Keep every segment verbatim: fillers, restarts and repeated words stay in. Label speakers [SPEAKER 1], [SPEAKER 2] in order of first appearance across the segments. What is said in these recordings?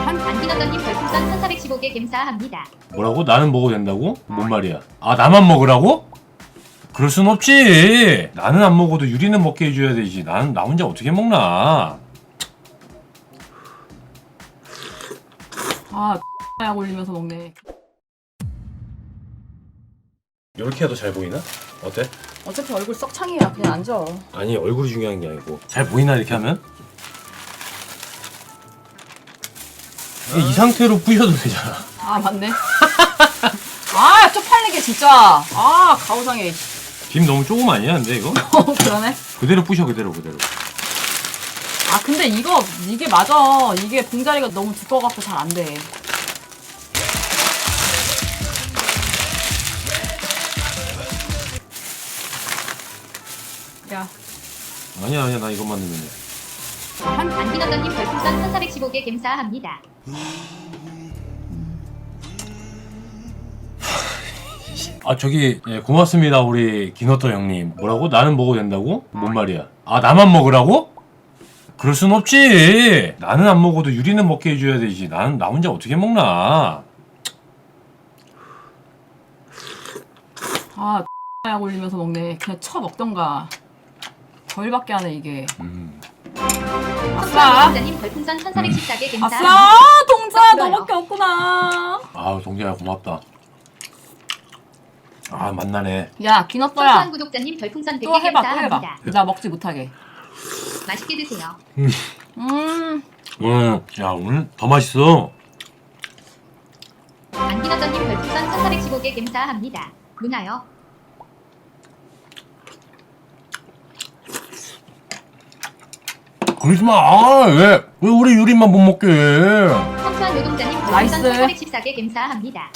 [SPEAKER 1] 안기너더님 별풍선 천사백십오 개 감사합니다.
[SPEAKER 2] 뭐라고? 나는 먹어도 된다고? 뭔 말이야? 아 나만 먹으라고? 그럴 순 없지. 나는 안 먹어도 유리는 먹게 해줘야 되지. 나는 나 혼자 어떻게 먹나?
[SPEAKER 3] 아 약 올리면서 먹네.
[SPEAKER 2] 이렇게 해도 잘 보이나? 어때?
[SPEAKER 3] 어차피 얼굴 썩창이야. 그냥 앉아.
[SPEAKER 2] 아니 얼굴이 중요한 게 아니고 잘 보이나 이렇게 하면? 이 상태로 부셔도 되잖아.
[SPEAKER 3] 아 맞네. 아 쪽팔리게 진짜. 아 가오상해.
[SPEAKER 2] 김 너무 조금 아니야 근데 이거?
[SPEAKER 3] 어 그러네.
[SPEAKER 2] 그대로 부셔 그대로 그대로.
[SPEAKER 3] 아 근데 이거 이게 맞아. 이게 봉다리가 너무 두꺼워갖고 잘 안 돼. 야.
[SPEAKER 2] 아니야 아니야 나 이것만 넣으면 돼.
[SPEAKER 1] 안기너더님 별풍선 천사백십오 개 감사합니다.
[SPEAKER 2] 아 저기 예, 고맙습니다 우리 기너터 형님. 뭐라고? 나는 먹어도 된다고? 뭔 말이야? 아 나만 먹으라고? 그럴 순 없지. 나는 안 먹어도 유리는 먹게 해줘야 되지. 나는 나 혼자 어떻게 먹나?
[SPEAKER 3] 아 약 올리면서 먹네. 그냥 쳐 먹던가. 덜밖에 안 해 이게.
[SPEAKER 2] 음.
[SPEAKER 3] 아싸.
[SPEAKER 1] 동자님 별풍선 천사백십사 개 감사합니다.
[SPEAKER 3] 아싸 동자 너밖에 없구나.
[SPEAKER 2] 아우 동재야 고맙다. 아 만나네.
[SPEAKER 3] 야 기너떠야.
[SPEAKER 1] 소소한 구독자님 별풍선 백
[SPEAKER 3] 또
[SPEAKER 1] 개
[SPEAKER 3] 해봐 또 해봐.
[SPEAKER 1] 감사합니다.
[SPEAKER 3] 나 먹지 못하게.
[SPEAKER 1] 맛있게 드세요.
[SPEAKER 3] 음.
[SPEAKER 2] 음, 야 오늘 더 맛있어.
[SPEAKER 1] 안기너더님 별풍선 천사백십오 개 감사합니다. 누나요.
[SPEAKER 2] 그러지 마. 아, 왜? 왜 우리 유리만 못 먹게 해?
[SPEAKER 1] 성수한 노동자님
[SPEAKER 3] 나이스.
[SPEAKER 1] 별풍선 천사백십사 개 감사합니다.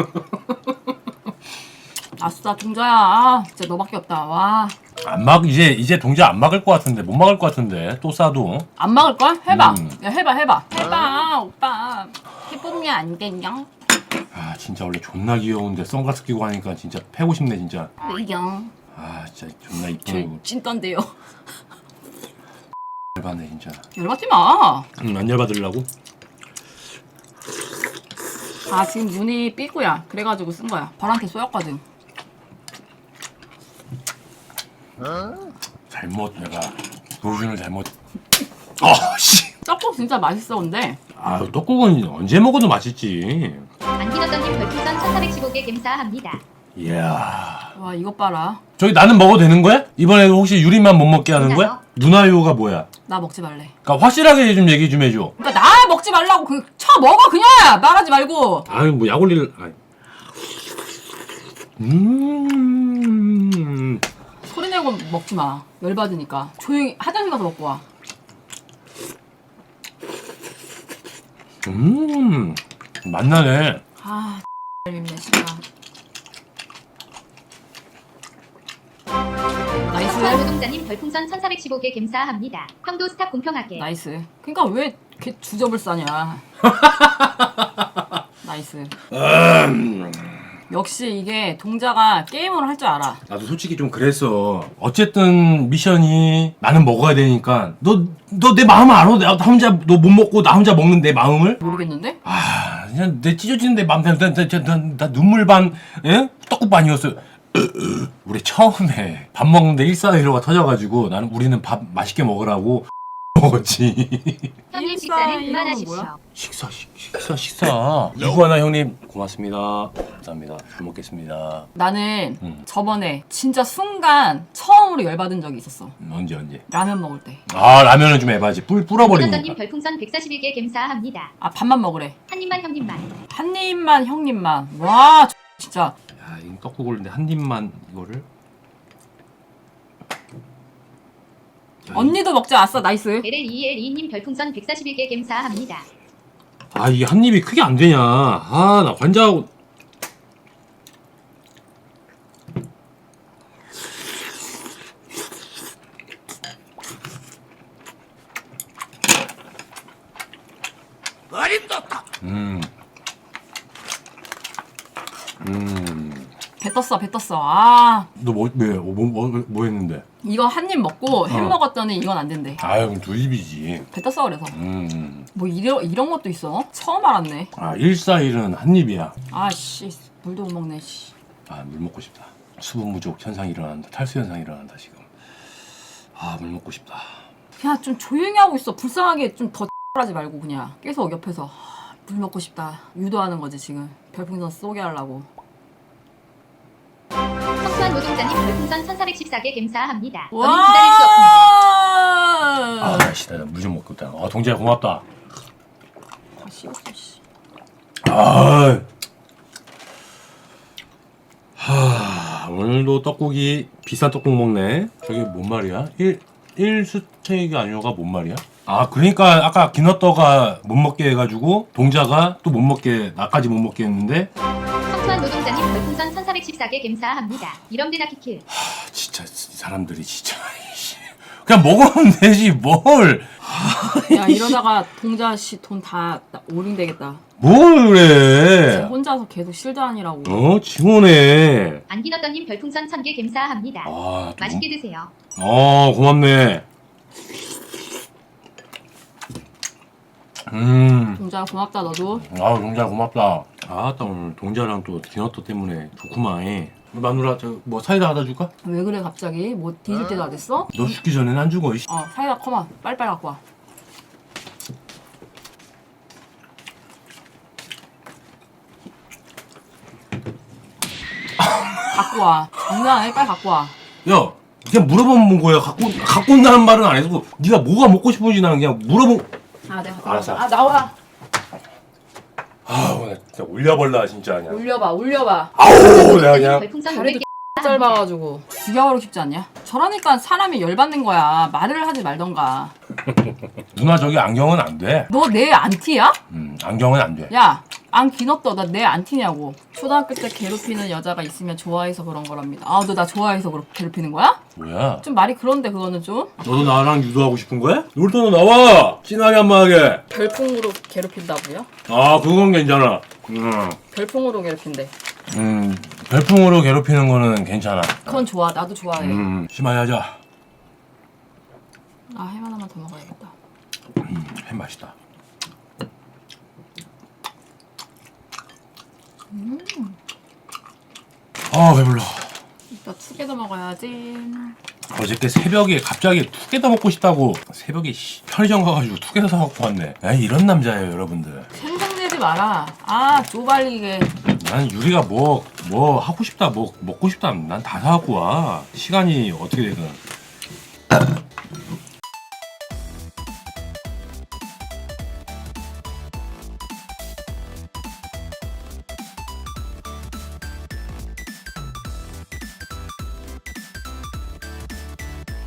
[SPEAKER 3] 아싸 동자야. 아, 진짜 너밖에 없다. 와.
[SPEAKER 2] 안 막 이제 이제 동재 안 막을 것 같은데 못 막을 것 같은데 또 싸도.
[SPEAKER 3] 안 막을 걸? 해봐.
[SPEAKER 2] 음.
[SPEAKER 3] 야 해봐 해봐. 해봐 오빠. 해보면 안 되냐?
[SPEAKER 2] 아 진짜 원래 존나 귀여운데 선글라스 끼고 하니까 진짜 패고 싶네 진짜.
[SPEAKER 3] 왜요?
[SPEAKER 2] 아 진짜 존나 이쁘네
[SPEAKER 3] 저
[SPEAKER 2] 이거.
[SPEAKER 3] 찐딴데요.
[SPEAKER 2] 열받네 진짜.
[SPEAKER 3] 열받지 마.
[SPEAKER 2] 응, 안 열받으려고?
[SPEAKER 3] 아 지금 눈이 삐꾸야. 그래가지고 쓴 거야. 벌한테 쏘였거든.
[SPEAKER 2] 잘못 내가 도준을 잘못. 아 씨.
[SPEAKER 3] 떡국 진짜 맛있어 근데.
[SPEAKER 2] 아 떡국은 언제 먹어도 맛있지.
[SPEAKER 1] 안기너더님 별풍선 천사백십오 개 감사합니다.
[SPEAKER 2] 이야.
[SPEAKER 3] 와 이것 봐라.
[SPEAKER 2] 저기 나는 먹어도 되는 거야? 이번에도 혹시 유리만 못 먹게 하는 거야? 누나요가 뭐야?
[SPEAKER 3] 나 먹지 말래.
[SPEAKER 2] 그러니까 확실하게 좀 얘기 좀 해줘.
[SPEAKER 3] 그러니까 나 먹지 말라고 그 쳐 먹어 그냥 말하지 말고.
[SPEAKER 2] 아유 뭐 약 올릴. 아이. 음.
[SPEAKER 3] 소리 내고 먹지 마. 열받으니까. 조용히 화장실 가서 먹고 와.
[SPEAKER 2] 음. 맛나네.
[SPEAKER 3] 아 맵네 진짜. 나이스.
[SPEAKER 1] 성수한 노동자님 별풍선 천사백십오 개 감사합니다. 형도 스탑 공평하게.
[SPEAKER 3] 나이스. 그러니까 왜 이렇게 주접을 싸냐. 나이스.
[SPEAKER 2] 음.
[SPEAKER 3] 역시 이게 동자가 게임을 할 줄 알아.
[SPEAKER 2] 나도 솔직히 좀 그랬어. 어쨌든 미션이 나는 먹어야 되니까 너 너 내 마음 알아? 나 혼자 너 못 먹고 나 혼자 먹는 내 마음을?
[SPEAKER 3] 모르겠는데?
[SPEAKER 2] 아 그냥 내 찢어지는 내 마음 나, 나, 나, 나, 나 눈물 반 예? 떡국 반이었어. 우리 처음에 밥 먹는데 일사일오가 터져가지고 나는 우리는 밥 맛있게 먹으라고 먹었지.
[SPEAKER 1] 형님
[SPEAKER 3] 일사
[SPEAKER 1] 식사는
[SPEAKER 3] 이거는
[SPEAKER 1] 그만하십시오.
[SPEAKER 3] 뭐야?
[SPEAKER 2] 식사 식, 식사 식사. 이구하나 형님 고맙습니다. 감사합니다. 잘 먹겠습니다.
[SPEAKER 3] 나는
[SPEAKER 2] 음.
[SPEAKER 3] 저번에 진짜 순간 처음으로 열받은 적이 있었어.
[SPEAKER 2] 음, 언제 언제?
[SPEAKER 3] 라면 먹을 때.
[SPEAKER 2] 아 라면은 좀 해봐야지. 뿔
[SPEAKER 1] 안기너더님
[SPEAKER 2] 불어버리니까.
[SPEAKER 1] 별풍선 백사십일 개 감사합니다.
[SPEAKER 3] 아 밥만 먹으래.
[SPEAKER 1] 한 입만 형님만.
[SPEAKER 3] 한 입만 형님만. 와 진짜.
[SPEAKER 2] 야, 이 떡국을 근데 한 입만 이거를. 야,
[SPEAKER 3] 언니도 먹자. 아싸 나이스.
[SPEAKER 1] 엘엘이엘이님 별풍선 백사십일 개 감사합니다.
[SPEAKER 2] 아 이게 한 입이 크게 안 되냐? 아 나 환자하고. 음. 음.
[SPEAKER 3] 배 떴어 배 떴어. 아
[SPEAKER 2] 너뭐 왜? 뭐, 뭐, 뭐 했는데?
[SPEAKER 3] 이거 한 입 먹고 햄
[SPEAKER 2] 어.
[SPEAKER 3] 먹었더니 이건 안 된대.
[SPEAKER 2] 아유 그럼 두 입이지.
[SPEAKER 3] 배 떴어 그래서.
[SPEAKER 2] 음.
[SPEAKER 3] 뭐 이런 이런 것도 있어? 처음 알았네.
[SPEAKER 2] 아 일사일은 한 입이야.
[SPEAKER 3] 아씨 물도 못 먹네. 씨.
[SPEAKER 2] 아 물 먹고 싶다. 수분 부족 현상이 일어난다. 탈수 현상이 일어난다 지금. 아 물 먹고 싶다.
[SPEAKER 3] 그냥 좀 조용히 하고 있어. 불쌍하게 좀 더 하지 말고 그냥 계속 옆에서 하, 물 먹고 싶다 유도하는 거지 지금. 별풍선 쏘게 하려고.
[SPEAKER 1] 성수한 노동자님 별풍선 천사백십사 개 감사합니다. 너무 기다릴 수 없습니다.
[SPEAKER 3] 와.
[SPEAKER 2] 아씨 나 물 좀 먹고 있다. 아 동재야 고맙다.
[SPEAKER 3] 다 씹었어 씨.
[SPEAKER 2] 아. 하 오늘도 떡국이 비싼 떡국 먹네. 저게 뭔 말이야? 일 일스테이크 아니오가 뭔 말이야? 아 그러니까 아까 기너떠가 못 먹게 해가지고 동자가 또 못 먹게 나까지 못 먹게 했는데
[SPEAKER 1] 성수한 노동자님 별풍선 천사백십사 개 감사합니다. 이런 데나 키킬.
[SPEAKER 2] 아, 진짜 이 사람들이 진짜 이씨. 그냥 먹으면 되지 뭘.
[SPEAKER 3] 야 이러다가 동자 씨 돈 다 올인 되겠다.
[SPEAKER 2] 뭘 그래?
[SPEAKER 3] 혼자서 계속 실드하니라고.
[SPEAKER 2] 어 징원해.
[SPEAKER 1] 안기너떠님 별풍선 천 개 감사합니다.
[SPEAKER 2] 아, 또
[SPEAKER 1] 맛있게 드세요.
[SPEAKER 2] 어 고맙네. 음.
[SPEAKER 3] 동자 고맙다 너도.
[SPEAKER 2] 아 동자 고맙다. 아따 오늘 동자랑 또 디너터 때문에 좋구만. 마누라 저 뭐 사이다 하다 줄까?
[SPEAKER 3] 왜 그래 갑자기? 뭐 뒤질 때도 안 됐어?
[SPEAKER 2] 너 죽기 전엔 안 죽어. 이씨.
[SPEAKER 3] 어 사이다 커마 빨리빨리 갖고 와. 갖고 와. 장난 아니야 빨리 갖고 와.
[SPEAKER 2] 야 그냥 물어보는 거야. 갖고 갖고 온다는 말은 안 해도 네가 뭐가 먹고 싶은지 나는 그냥 물어보.
[SPEAKER 3] 아 내가 갖고
[SPEAKER 2] 알았어.
[SPEAKER 3] 와. 아 나와.
[SPEAKER 2] 아 오늘 진짜 올려볼라 진짜 그냥.
[SPEAKER 3] 올려봐 올려봐.
[SPEAKER 2] 아우 내가 그냥.
[SPEAKER 1] 별풍선
[SPEAKER 3] 다리도
[SPEAKER 1] 오백 개.
[SPEAKER 3] 짧아가지고 죽여버리고 싶지 않냐? 저러니까 사람이 열받는 거야. 말을 하지 말던가.
[SPEAKER 2] 누나 저기 안경은 안 돼.
[SPEAKER 3] 너 내 안티야?
[SPEAKER 2] 음 안경은 안 돼.
[SPEAKER 3] 야, 안 기너떠. 나 내 안티냐고. 초등학교 때 괴롭히는 여자가 있으면 좋아해서 그런 거랍니다. 아, 너 나 좋아해서 그렇게 괴롭히는 거야?
[SPEAKER 2] 뭐야?
[SPEAKER 3] 좀 말이 그런데 그거는 좀
[SPEAKER 2] 너도 나랑 유도하고 싶은 거야? 놀토너 나와! 진하게 한번 하게.
[SPEAKER 3] 별풍으로 괴롭힌다고요?
[SPEAKER 2] 아 그건 괜찮아. 음,
[SPEAKER 3] 별풍으로 괴롭힌대.
[SPEAKER 2] 음 별풍으로 괴롭히는 거는 괜찮아.
[SPEAKER 3] 그건 좋아. 나도 좋아해.
[SPEAKER 2] 음 심하게 하자.
[SPEAKER 3] 아, 햄 하나만 더 먹어야겠다.
[SPEAKER 2] 음, 햄 맛있다.
[SPEAKER 3] 음.
[SPEAKER 2] 아 배불러.
[SPEAKER 3] 이따 투게더 먹어야지.
[SPEAKER 2] 어저께 새벽에 갑자기 투게더 먹고 싶다고 새벽에 씨, 편의점 가가지고 투게더 사갖고 왔네. 에이, 이런 남자예요 여러분들.
[SPEAKER 3] 생각내지 마라. 아, 쪼발리게.
[SPEAKER 2] 난 유리가 뭐 뭐 하고 싶다 뭐 먹고 싶다 난 다 사갖고 와. 시간이 어떻게 되든.